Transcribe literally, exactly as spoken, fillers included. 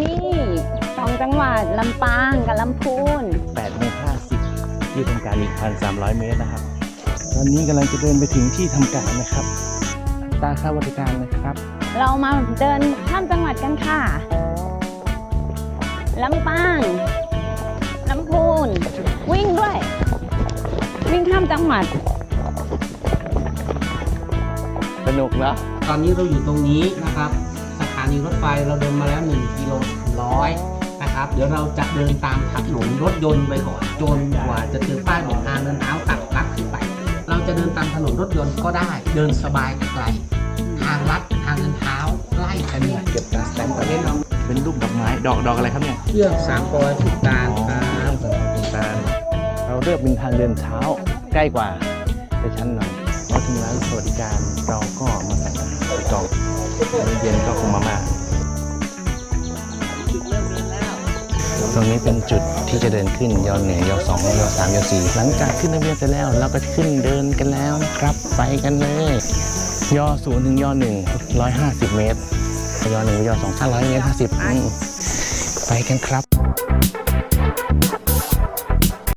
ที่สองจังหวัดลำปางกับลำพูนแปดโมงห้าสิบที่ทำการอีก หนึ่งพันสามร้อย เมตรนะครับตอนนี้กำลังจะเดินไปถึงที่ทำการนะครับอัตราค่าบริการนะครับเรามาเดินข้ามจังหวัดกันค่ะลำปางลำพูนวิ่งด้วยวิ่งข้ามจังหวัดสนุกเนาะตอนนี้เราอยู่ตรงนี้นะครับสถานีรถไฟเราเดินมาแล้วหนึ่งกิโลร้อยนะครับเดี๋ยวเราจะเดินตามถนนรถยนต์ไปก่อนจนกว่าจะเจอป้ายบอกทางเดินเท้าตัดลัดขึ้นไปเราจะเดินตามถนนรถยนต์ก็ได้เดินสบายไกลทางลัดทางเดินเท้าใกล้กันเนี่ยเก็บการสแตมป์ประเทศเราเป็นรูปดอกไม้ดอกดอกอะไรครับเนี่ยเรื่องสามปอยสุดการครับเป็นการเราเลือกเป็นทางเดินเท้าใกล้กว่าไปชั้นหน่อยพอถึงร้านสวัสดิการเราก็มาสั่งอาหารไปกล่องมื้อเย็นก็คงมาม่าตรงนี้เป็นจุดที่จะเดินขึ้นยอหนึ่งยอสองยอสามยอสี่หลังจากขึ้นทะเบียนเสร็จแล้วเราก็ขึ้นเดินกันแล้วนะครับไปกันเลยยอศูนย์ถึงยอหนึ่งร้อยห้าสิบเมตรยอหนึ่งยอสองห้าร้อยเมตรห้าสิบไปกันครับ